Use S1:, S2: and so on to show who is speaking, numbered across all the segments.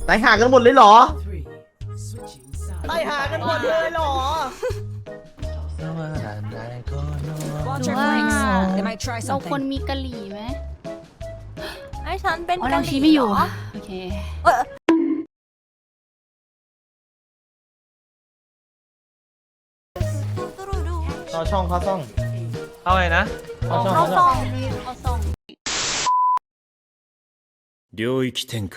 S1: ตายหากันหมดเลยเหรอ
S2: ตายหากันหมดเลยเหรอ
S3: Watch your
S4: ว่า
S3: flanks. They might try
S4: เราควร
S3: something.
S4: มีกะหรี่ไหม
S5: ไอ้ฉันเป็น
S4: อ๋อก
S5: ะ
S4: นาง
S5: ห
S4: ชี
S5: รี่
S4: ไม่อยู่
S5: เหรอ
S4: โอเค
S1: เข้าช่องเข้าช่อง
S6: เอาไงนะ
S1: เข้าช่อง
S5: เขา
S1: เข้า
S5: ซ
S1: ช่อ
S5: อง ง
S4: เอาส่ง
S7: 領域展開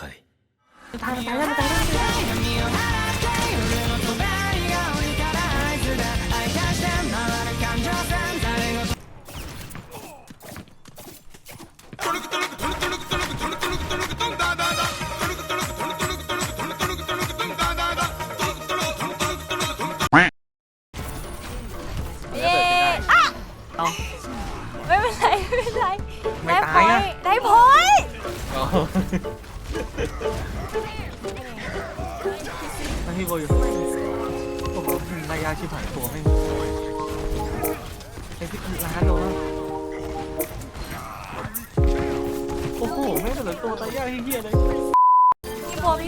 S5: เย้อะไม่เป็นไรไม่เป็นไรได้พอยต์ได้พอยต์
S6: ไม่พี่โบอยู่ผมรายยาชิบหายตัวไม่ไอ้ที่ร้านโดนโอ้โหไม่เหลือตัวตายยากเฮี้ยเลย
S5: พี่บัว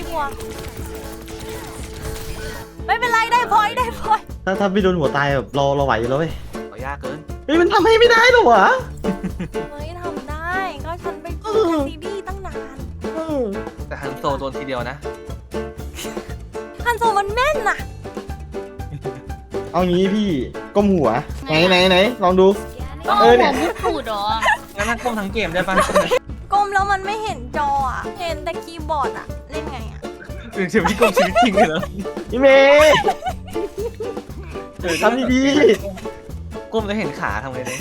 S5: ไม่เป็นไรได้พอยต์ได้พอยต์
S1: ถ้าพี่โดนหัวตายแบบเราไหวอยู่แล้วเว้ย
S6: ต่อยากเกิน
S1: เฮ้ยมันทำให้ไม่ได้หรอวะ
S5: เฮ้ยทำได้ก็ฉันไปดูซีดีตั้งนาน
S6: แต่ฮันโซโดนทีเดียวนะ
S5: ฮันโซมันแม่นน่ะ
S1: เอางี้พี่ก้มหัวไหนลองดู
S4: ต้อง
S1: เอ
S4: เอา
S1: อ
S4: หั
S1: เนี่
S4: วย มุดปูดเหรอ
S6: งั้นนั่งก้มทั้งเกมได้ปะ
S5: ก้มแล้วมันไม่เห็นจออ่ะเห็นแต่คีย์บอร์ดอ่ะเล่นไงอ่ะ
S6: ถึงชีวิตก้มชีวิตจริงเลยเหรอ
S1: พี่เมย์ทำดี
S6: ก้มแล้วเห็นขาทำไงเลย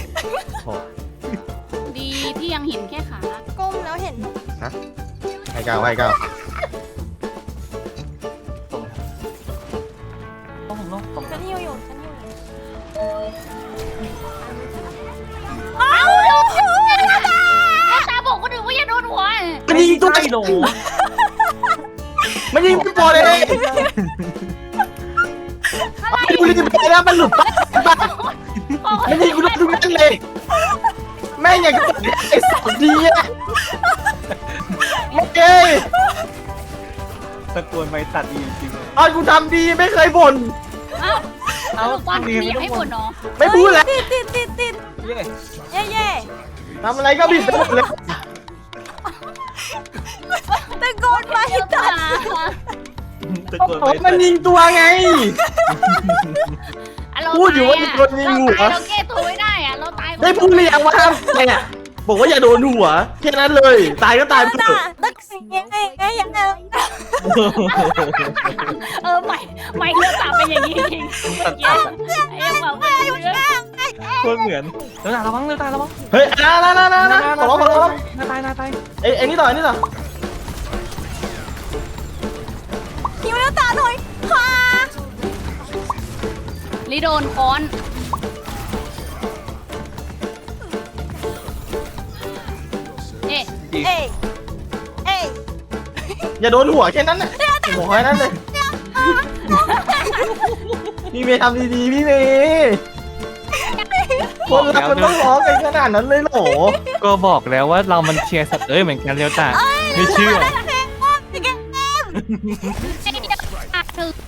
S4: ดีที่ยังเห็นแค่ขา
S5: ก้มแล้วเห็น
S1: ๆให้ก้าว
S6: ต้องผมต้องตรง
S5: ฉันหิวอยู่ฉันหิวอยู่
S4: เอาตาบอกคนอื่นว่าอย่าโดนหัว
S1: มันยิงตัว
S6: ไม่โดน
S1: มันยิงพี่บอลเลยไม่ดูรีบไปแล้วมันหลุดบ้ามันยิงกูทุกนัดเลยแม่งอย่างกับไอ้สองทีอะโอเค
S6: ตะโกนไปตัดอีจริง
S1: ตอนกูทำดีไม่เคยบ่น
S4: เอาสรุปว่ามีอยากให้ผลเนาะ
S1: ไม่พูดแล้ว
S5: ติด
S6: เย้
S5: เย่
S1: ทำอะไรก็ผิดไปหมดเลย
S5: ตะโกนไปตัด
S6: ตะโกนไป
S1: มันยิงตัวไง พูดอยู่ว่าจะโดนยิงหัว
S4: เราแก้ตัวไม่ได้อะเราตาย
S1: ได้พูดหรือยังว่าห้ามเนี่ยบอกว่าอย่าโดนหัวแค่นั้นเลยตายก็ตายไปเถอะ
S5: ตักยังไงยังไง
S4: ไม่เลือกตามเป็นอย่างนี้จริงไอ้ยังแบบ
S6: โคตรเหมือนเดี๋ยวตาระวังเดี๋ยวตาระวัง
S1: เฮ้ยนะขอร้อง
S6: หน้าตาย
S1: ไอ้นี่ต่อ
S5: หิวแล้วตาหน่อยพา
S4: ลิโดนค้อนเอ๊ะ
S5: เอ้ย
S1: อย่าโดนหัวแค่นั้นน่ะบอกแค่นั้นเลยพี่เมย์ทำดีๆพี่เมย์คนเรามันต้องร้องกันขนาดนั้นเลยเหรอ
S6: ก็บอกแล้วว่าเรามันเชียร์สัตว์เหมือนกันเดียวตาไม่เชื่อ
S5: แข่งว่าแข่ง
S4: คือ